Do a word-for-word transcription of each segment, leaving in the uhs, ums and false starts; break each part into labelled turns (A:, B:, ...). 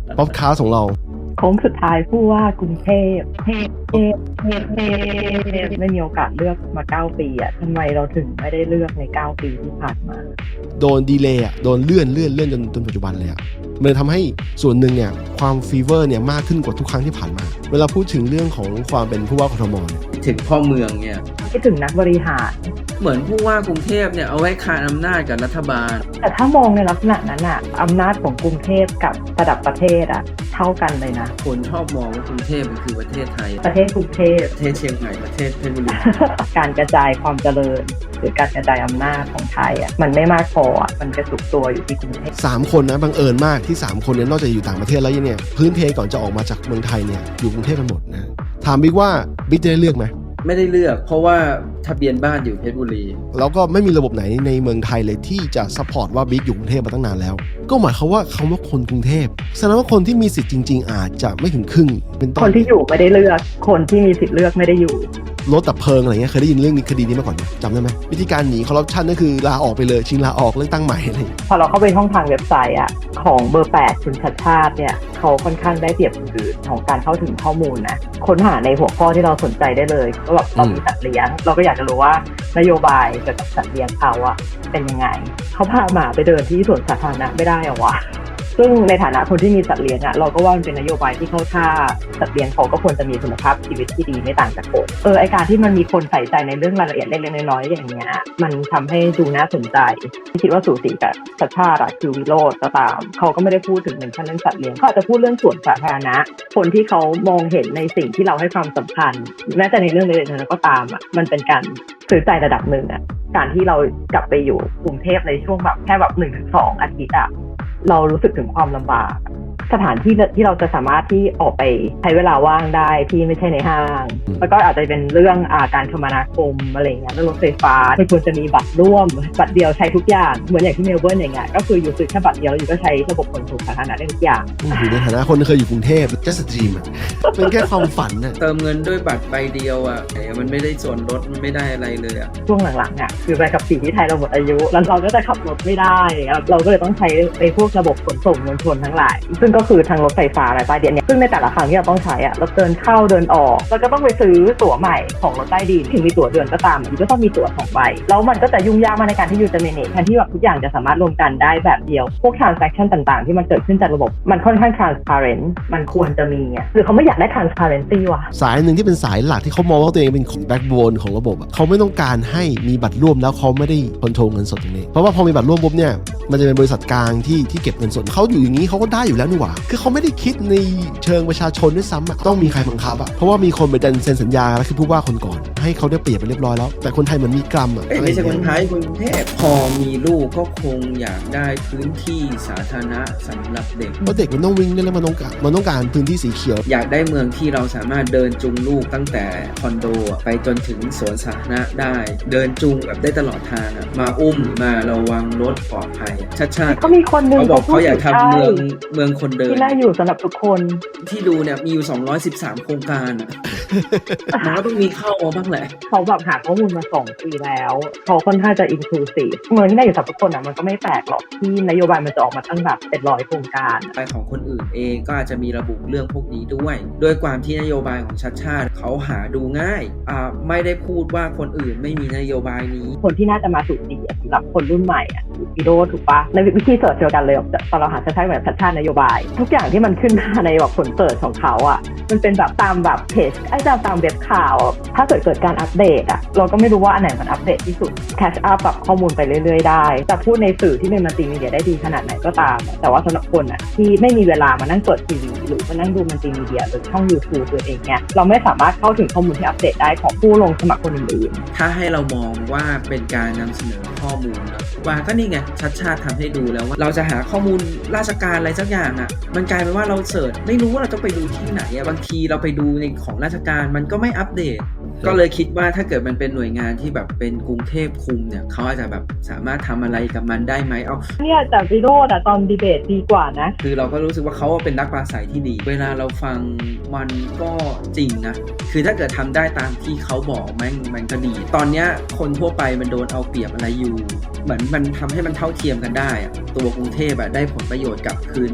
A: ป๊อปคาสของเรา
B: โค้งสุดท้ายผู้ว่ากรุงเทพเทพเทพเทพเทพไม่มีโอกาสเลือกมาเก้าปีอ่ะทำไมเราถึงไม่ได้เลือกในเก้าปีที่ผ่านมา
A: โดนดีเลย์อ่ะโดนเลื่อนเลื่อนเลื่อนจนจนปัจจุบันเลยอ่ะมันทำให้ส่วนหนึ่งเนี่ยความฟีเวอร์เนี่ยมากขึ้นกว่าทุกครั้งที่ผ่านมาเวลาพูดถึงเรื่องของความเป็นผู้ว่ากทม
C: ถึงพ่อเมืองเนี่ย
B: คิดถึงนักบริหาร
C: เหมือนผู้ว่ากรุงเทพเนี่ยเอาไว้คานอำนาจกับรัฐบาล
B: แต่ถ้ามองในลักษณะนั้นอ่ะอำนาจของกรุงเทพกับระดับประเทศอ่ะเท่ากันเลยนะ
C: คนชอบมองว่ากรุงเทพมันคือประเทศไทย
B: ประเทศกรุงเทพ
C: ประเทศเชียงใหม่ประเทศเพชรบุรี
B: การกระจายความเจริญหรือการกระจายอำนาจของไทยอ่ะมันไม่มากพออ่ะมันกระจุกตัวอยู่ที่กรุงเทพ
A: สามคนนะบังเอิญมากที่สามคนเนี่ยนอกจากอยู่ต่างประเทศแล้วเนี่ยพื้นเพก่อนจะออกมาจากเมืองไทยเนี่ยอยู่กรุงเทพกันหมดนะถามบิ๊กว่าบิ๊กจะได้เลือกไหม
C: ไม่ได้เลือกเพราะว่าทะเบียนบ้านอยู่เพชรบุรี
A: แล้วก็ไม่มีระบบไหนในเมืองไทยเลยที่จะซัพพอร์ตว่าบิ๊กอยู่กรุงเทพมาตั้งนานแล้วก็หมายความว่าคำว่าคนกรุงเทพแสดงว่าคนที่มีสิทธิ์จริงๆอาจจะไม่ถึงครึ่ง
B: เป็นคนที่อยู่ไม่ได้เลือกคนที่มีสิทธิ์เลือกไม่ได้อยู่
A: รถดับเพลิงอะไรเงี้ยเคยได้ยินเรื่องนี้คดีนี้มาก่อนไหมจำได้ไหมวิธีการหนีคอร์รัปชันก็คือลาออกไปเลยชิงลาออกเลือกตั้งใหม่อะไร
B: พอเราเข้าไปช่องทางเว็บไซต์อ่ะของเบอร์แปดคุณชัดชาติเนี่ยเขาค่อนข้างได้เปรียบคนอื่นของการเข้าถึงข้อมูลนะค้นหาในหัวข้อที่เราสนใจได้เลยก็แบบเรามีสัตว์เลี้ยงเราก็อยากจะรู้ว่านโยบายเกี่ยวกับสัตว์เลี้ยงเขาอ่ะเป็นยังไงเขาพาหมาไปเดินที่สวนสาธารณะไม่ได้เหรอวะซึ่งในฐานะคนที่มีสัตว์เลี้ยงอ่ะเราก็ว่ามันเป็นนโยบายที่เข้าท่าสัตว์เลี้ยงเขาก็ควรจะมีคุณภาพชีวิตที่ดีไม่ต่างจากคนเออไอการที่มันมีคนใส่ใจในเรื่องรายละเอียดเล็กๆน้อยๆอย่างเงี้ยมันทำให้ดูน่าสนใจคิดว่าสูสีกับชัดชาติอะคือวิโรจน์ก็ตามเขาก็ไม่ได้พูดถึงเป็นแค่เรื่องสัตว์เลี้ยงเขาอาจจะพูดเรื่องสวนสาธารณะคนที่เขามองเห็นในสิ่งที่เราให้ความสำคัญแม้แต่ในเรื่องเล็กๆน้อยๆก็ตามอ่ะมันเป็นการสื่อใจระดับหนึ่งอ่ะการที่เรากลับไปอยู่กรุงเทพในช่วงแบบแค่แบบหนึ่งถึงสองอาทิตย์อ่ะเรารู้สึกถึงความลำบากสถานที่ที่เราจะสามารถที่ออกไปใช้เวลาว่างได้ที่ไม่ใช่ในห้างแล้วก็อาจจะเป็นเรื่องอาการคมนาคมอะไรเงี้ยเรื่องรถไฟฟ้าไม่ควรจะมีบัตรร่วมบัตรเดียวใช้ทุกอย่างเหมือนอย่างที่เมลเบิร์นอย่างเงี้ยก็คืออยู่ซื้อแค่บัตรเดียวแล้วอยู่ก็ใช้ระบบขนส่งสาธารณะได้ทุกอย่าง
A: อยู่ในฐานะคนที่เคยอยู่กรุงเทพจะสตรีมอ่ะเป็นแค่ความฝันน่ะ
C: เติมเงินด้วยบัตรใบเดียวอ่ะมันไม่ได้ส่วนลดมันไม่ได้อะไรเลยอ่ะ
B: ช่วงหลังๆอ่ะคือใบขับขี่ที่ไทยเราหมดอายุแล้วเราก็จะขับรถไม่ได้เราก็เลยต้องใช้ไอ้พวกระบบขนส่งมวลชนทั้งหลายซึ่งก็คือทางรถไฟฟ้าอะไรใต้ดินเนี่ยซึ่งในแต่ละครั้งที่เราต้องใช้อ่ะเราเดินเข้าเดินออกแล้วก็ต้องไปซื้อตั๋วใหม่ของรถใต้ดินถึงมีตั๋วเดือนก็ตามมันก็ต้องมีตั๋วสองใบแล้วมันก็จะยุ่งยากมากในการที่ยูจะ manage แทนที่แบบทุกอย่างจะสามารถรวมกันได้แบบเดียวพวก transaction ต่างๆที่มันเกิดขึ้นจากระบบมันค่อนข้าง transparent มันควรจะมีอ่ะคือเขาไม่อยากได้ transparency ว่ะ
A: สายหนึ่งที่เป็นสายหลักที่เขามองว่าตัวเองเป็นของ backbone ของระบบอ่ะเขาไม่ต้องการให้มีบัตรร่วมแล้วเขาไม่ได้คอนโทรลเงินสดตรงนี้เพราะว่าพอมีบัตรร่วมปุ๊บเนี่ยมันจะเป็นบริษัทกลางที่ที่เก็บเงินสดเขาอยู่อย่างนี้เขาก็ได้อยู่แล้วนี่หว่าคือเขาไม่ได้คิดในเชิงประชาชนด้วยซ้ำอ่ะต้องมีใครบังคับอ่ะเพราะว่ามีคนไปดันเซ็นสัญญาแล้วคือผู้ว่าคนก่อนให้เขาได้เปรียบไปเรียบร้อยแล้วแต่คนไทยเหมือนมีกรรมอ่ะ
C: ไม่ใช่คนไทยคนเทพพอมีลูกก็คงอยากได้พื้นที่สาธารณะสำหรับเด็ก
A: เพราะเด็กมันต้องวิ่งได้แล้วมันต้องการมันต้องการพื้นที่สีเขียว
C: อยากได้เมืองที่เราสามารถเดินจูงลูกตั้งแต่คอนโดไปจนถึงสวนสาธารณะได้เดินจูงแบบได้ตลอดทางมาอุ้มมาระวังรถปลอดภัยชัดชาติ
B: เขามีคนนึง
C: เขาบอกเขาอยากทำเมืองเมืองคนเดิน
B: ที่น่าอยู่สำหรับทุกคน
C: ที่ดูเนี่ยมีอยู่สองร้อยสิบสามโครงการอ่ะมันก็ต้องมีเข้ามาบ้างแหละ
B: เขาแบบหาข้อมูลมาสองปีแล้วเขาค่อนข้างจะ inclusive เมืองที่น่าอยู่สำหรับทุกคนอ่ะมันก็ไม่แปลกหรอกที่นโยบายมันจะออกมาตั้งแบบเป็นร้อยโครงการ
C: ไปของคนอื่นเองก็อาจจะมีระบุเรื่องพวกนี้ด้วยด้วยความที่นโยบายของชัดชาติเขาหาดูง่ายอ่าไม่ได้พูดว่าคนอื่นไม่มีนโยบายนี้
B: คนที่น่าจะมาถูกดีสำหรับคนรุ่นใหม่อ่ะวิโรจน์ถูกปะในวิธีเสิร์ชเดียวกันเลยตอนเราหาชัดชาติแบบชัดชาตินโยบายทุกอย่างที่มันขึ้นมาในแบบผลเสิร์ชของเขาอ่ะมันเป็นแบบตามแบบเพจไอ้ตามตามเว็บข่าวถ้าเกิดเกิดการอัปเดตอ่ะเราก็ไม่รู้ว่าอันไหนมันอัปเดตที่สุดแคชอัพแบบข้อมูลไปเรื่อยๆได้จะพูดในสื่อที่เป็นมัลติมีเดียได้ดีขนาดไหนก็ตามแต่ว่าสำหรับคนอ่ะที่ไม่มีเวลามานั่งเปิดทีวีหรือมานั่งดูมัลติมีเดียหรือช่อง YouTube ตัวเองเนี่ยเราไม่สามารถเข้าถึงข้อมูลที่อัปเดตได้ของผู้ลงสมัครคนอื่น
C: ๆถ้าให้เรามองว่าเป็นการนำเสนอข้อมูลนะว่าก็นี่ไงชัดชาติทำให้ดูแล้วว่าเราจะหาข้อมูลราชการอะไรสักอย่างอ่ะมันกลายเป็นว่าเราเสิร์ชไม่รู้ว่าเราต้องไปดูที่ไหนอ่ะบางทีเราไปดูในของราชการมันก็ไม่อัปเดตก็เลยคิดว่าถ้าเกิดมันเป็นหน่วยงานที่แบบเป็นกรุงเทพคุมเนี่ยเขาอาจจะแบบสามารถทำอะไรกับมันได้ไหมเอา
B: เนี่ยแต่วิโรจน์อะตอนดีเบตดีกว่านะ
C: คือเราก็รู้สึกว่าเขาเป็นนักปราศัยที่ดีเวลาเราฟังมันก็จริงนะคือถ้าเกิดทำได้ตามที่เขาบอกมันมันก็ดีตอนเนี้ยคนทั่วไปมันโดนเอาเปรียบอะไรอยู่เหมือนมันทำให้มันเท่าเทียมกันได้อะตัวกรุงเทพอะได้ผลประโยชน์กลับคืนมา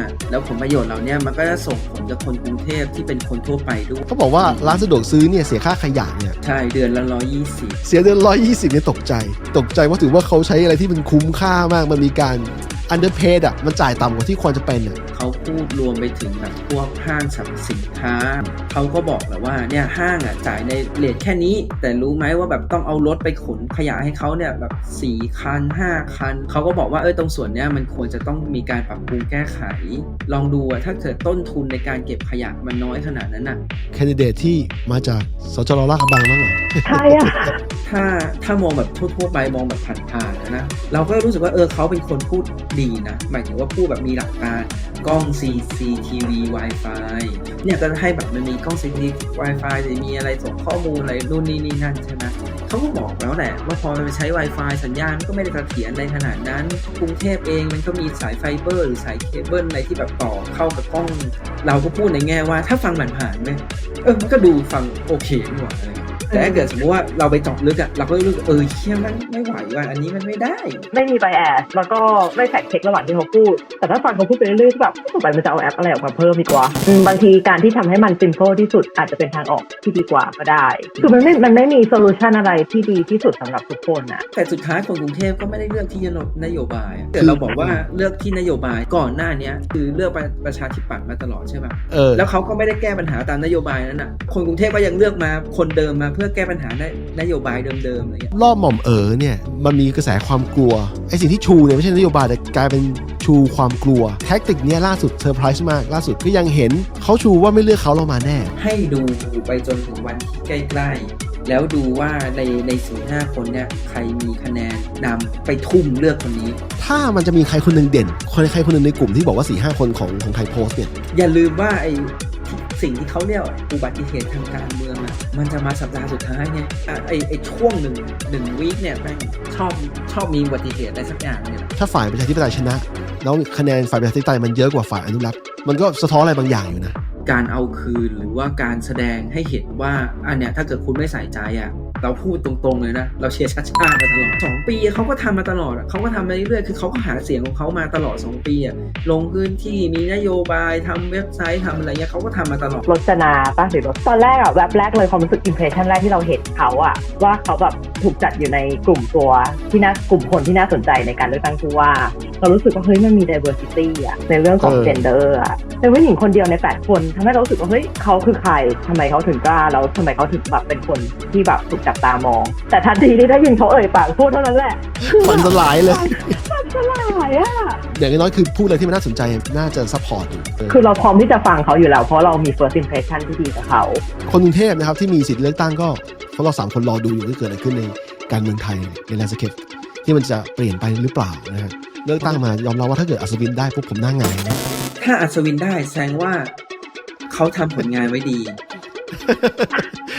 C: แล้วผลประโยชน์เหล่านี้มันก็จะส่งผลกับคนกรุงเทพที่เป็นคนทั่วไปด้วย
A: เขาบอกว่าร้านสะดวกซื้อเนี่ยเสียค่าขยะเนี่ย
C: ใช่เดือนละร้อยยี่สิบ
A: เสียเดือนร้อยยี่สิบเนี่ยตกใจตกใจว่าถือว่าเขาใช้อะไรที่มันคุ้มค่ามากมันมีการ underpaid อ่ะมันจ่ายต่ำกว่าที่ควรจะเป็นอ่ะ
C: เขาพูดรวมไปถึงแบบพวกห้างสรรพสินค้าเขาก็บอกแหละว่าเนี่ยห้างอ่ะจ่ายในเรทแค่นี้แต่รู้ไหมว่าแบบต้องเอารถไปขนขยะให้เขาเนี่ยแบบสี่คันห้าคันเขาก็บอกว่าเออตรงส่วนเนี้ยมันควรจะต้องมีการปรับปรุงแก้ไขลองดูอ่ะถ้าเกิดต้นทุนในการเก็บขยะมันน้อยขนาดนั้นอ่ะ
A: แคนดิเดตที่มาจากสจรลาดกระบังบ้างเหรอ
B: ใช่อะ
C: ถ้าถ้ามองแบบทั่วๆไปมองแบบผ่านๆนะเราก็รู้สึกว่าเออเขาเป็นคนพูดดีนะหมายถึงว่าพูดแบบมีหลักการกล้อง ซี ซี ที วี Wi-Fi เนี่ยก็ให้แบบมันมีกล้อง ซี ซี ที วี Wi-Fi จะมีอะไรส่งข้อมูลอะไรนู่นนี่นี่นั่นใช่ไหมเขาก็บอกแล้วแหละว่าพอมันไปใช้ Wi-Fi สัญญาณก็ไม่ได้เสถียรในขนาดนั้นกรุงเทพเองมันก็มีสายไฟเบอร์หรือสายเคเบิลอะไรที่แบบต่อเข้ากับกล้องเราก็พูดในแง่ว่าถ้าฟังผ่านๆเนี่ยเออมันก็ดูฟังโอเคนี่หว่าอะไรแต่ถ้าเกิดสมมติว่าเราไปเจาะลึกอะเราก็รู้สึกเออเชี่ยมันไม่ไหวว่ะอันนี้มันไม่ได้
B: ไม่มีไบแอสแล้วก็ไม่แฟกเช็คระหว่างที่เขาพูดแต่ถ้าฟังเขาพูดไปเรื่อยๆแบบต่อไปมันจะเอาแอปอะไรออกมาเพิ่มดีกว่าอืมบางทีการที่ทำให้มัน simple ที่สุดอาจจะเป็นทางออกที่ดีกว่าก็ได้คือมันไม่มันไม่มีโซลูชันอะไรที่ดีที่สุดสำหรับทุกคนนะ
C: แต่สุดท้ายคนกรุงเทพก็ไม่ได้เลือกที่นโยบายแต่เราบอกว่าเลือกที่นโยบายก่อนหน้านี้คือเลือกประชาธิปัตย์มาตลอดใช่ไหม
A: เออ
C: แล้วเขาก็ไม่ได้แก้ปัญหาตามนโยบายนั้นน่ะคนกรุงเทพก็ยังเลือกมาคนเดิมมาเพื่อแก้ปัญหาในนโยบายเดิมๆอะไรเงี้ย
A: รอบหม่อมเอ๋อเนี่ยมันมีกระแสความกลัวไอ้สิ่งที่ชูเนี่ยไม่ใช่นโยบายแต่กลายเป็นชูความกลัวแท็กติกเนี้ยล่าสุดเซอร์ไพรส์มากล่าสุดก็ยังเห็นเขาชูว่าไม่เลือกเขาเรามาแน่
C: ให้ดูไปจนถึงวันที่ใกล้ๆแล้วดูว่าในในสี่ห้าคนเนี่ยใครมีคะแนนนำไปทุ่มเลือกคนนี้
A: ถ้ามันจะมีใครคนหนึ่งเด่นคนใครคนหนึ่งในกลุ่มที่บอกว่า สี่ห้า คนของของไทยโพสต์เนี่ย
C: อย่าลืมว่าไอ้สิ่งที่เขาเรียกอุบัติเหตุทางการเมืองอ่ะมันจะมาสัปดาห์สุดท้ายไงอ่ะไอ้ไอ้ช่วงหนึ่งหนึ่งวีคเนี่ยแม่งชอบชอบมีอุบัติเหตุอะไรสักอย่างเนี่ย
A: ถ้าฝ่ายประชาธิปไตยชนะแล้วคะแนนฝ่ายประชาธิปไตยมันเยอะกว่าฝ่ายอนุรักษ์มันก็สะท้อนอะไรบางอย่างอยู่นะ
C: การเอาคืนหรือว่าการแสดงให้เห็นว่าอันเนี้ยถ้าเกิดคุณไม่ใส่ใจอ่ะเราพูดตรงๆเลยนะเราเชียร์ชาติชาติมาตลอดสองปีเขาก็ทำมาตลอดเขาก็ทำมาเรื่อยๆคือเขาก็หาเสียงของเขามาตลอดสองปีอ่ะลงพื้นที่มีนโยบายทำเว็บไซต์ทำอะไรเงี้ยเขาก็ทำมาตลอด
B: รจนาป่ะหรือรถตอนแรกอะแวบแรกเลยความรู้สึกอิมเพรสชันแรกที่เราเห็นเขาอะว่าเขาแบบถูกจัดอยู่ในกลุ่มตัวที่น่ากลุ่มคนที่น่าสนใจในการเลือกตั้งผู้ว่าเรารู้สึกว่าเฮ้ยมันมี diversity อะในเรื่องของ gender อะเป็นผู้หญิงคนเดียวในแปดคนทำให้เรารู้สึกว่าเฮ้ยเขาคือใครทำไมเขาถึงกล้าแล้วทำไมเขาถึงแบบเป็นคนที่แบบถูกจับตามองแต่ทันทีที่ได้ยินเขาเอ่ยปากพูดเท่านั้นแหละ
A: ฟันสลายเลย
B: ฟันสลายอะ
A: อย่างน้อยคือพูดอะไรที่มันน่าสนใจน่าจะซัพพอร์ตอยู่
B: คือเราพร้อมที่จะฟังเขาอยู่แล้วเพราะเรามี first impression ที่ดีกับเขา
A: คนกรุงเทพนะครับที่มีสิทธิ์เลือกตั้งก็พวกเราสามคนรอดูอยู่ว่าเกิดอะไรขึ้นในการเมืองไทยในแลนด์สเคปที่มันจะเปลี่ยนไปหรือเปล่านะฮะเลือกตั้งมายอมรับว่าถ้าเกิดอัศวินได้พวกผมหน้าหงายนะ
C: ถ้าอัศวินได้แสดงว่าเขาทำผลงานไว้ดี